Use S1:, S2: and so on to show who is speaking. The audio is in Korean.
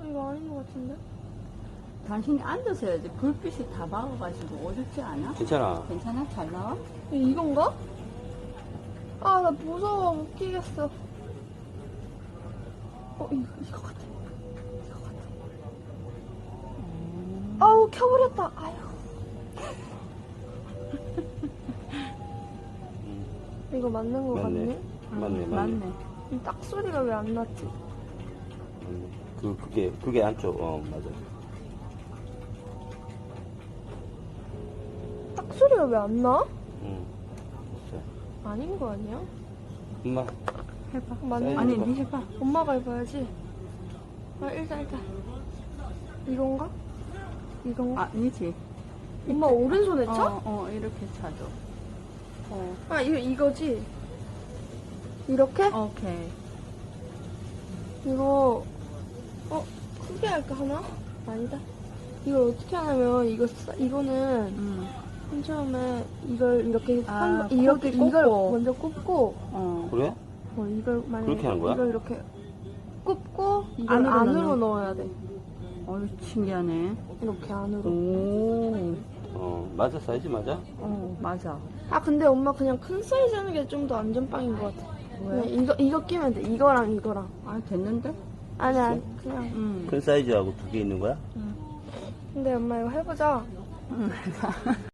S1: 이거 아닌 것 같은데?
S2: 당신이 앉아서 해야지. 불빛이 다 막아가지고 어둡지 않아?
S3: 괜찮아.
S2: 괜찮아? 잘 나와?
S1: 이건가? 아, 나 무서워. 못 끼겠어. 이거 같아. 이거 같아. 아우, 켜버렸다. 아유. 이거 맞는 거 같네?
S2: 맞네.
S1: 딱 소리가 왜 안 났지?
S3: 그게 안쪽, 맞아.
S1: 딱 소리가 왜 안 나?
S3: 응.
S1: 아닌 거 아니야?
S3: 엄마,
S2: 해봐.
S1: 맞네.
S2: 아니, 니 해봐.
S1: 엄마가 해봐야지. 일단. 이건가? 이건가?
S2: 아, 니지.
S1: 엄마 오른손에 쳐?
S2: 이렇게 차죠.
S1: 이거지? 이렇게?
S2: 오케이.
S1: 이거, 크게 할까, 하나? 아니다. 이걸 어떻게 하냐면, 이거는, 맨 처음에 이걸 이렇게, 이걸
S2: 꼽고.
S1: 먼저 꼽고,
S3: 그래?
S1: 이걸 만약에,
S3: 그렇게 하는 거야?
S1: 이걸 이렇게 꼽고, 이걸
S2: 안으로
S1: 안으로 넣어야 돼.
S2: 신기하네.
S1: 이렇게 안으로.
S2: 오.
S3: 맞아, 사이즈 맞아?
S2: 맞아.
S1: 근데 엄마 그냥 큰 사이즈 하는 게 좀 더 안전빵인 것 같아.
S2: 왜?
S1: 그냥 이거 끼면 돼. 이거랑 이거랑.
S2: 아, 됐는데?
S1: 아니, 그냥.
S3: 큰 사이즈하고 두 개 있는 거야?
S1: 근데 엄마 이거 해보자.
S2: 해봐.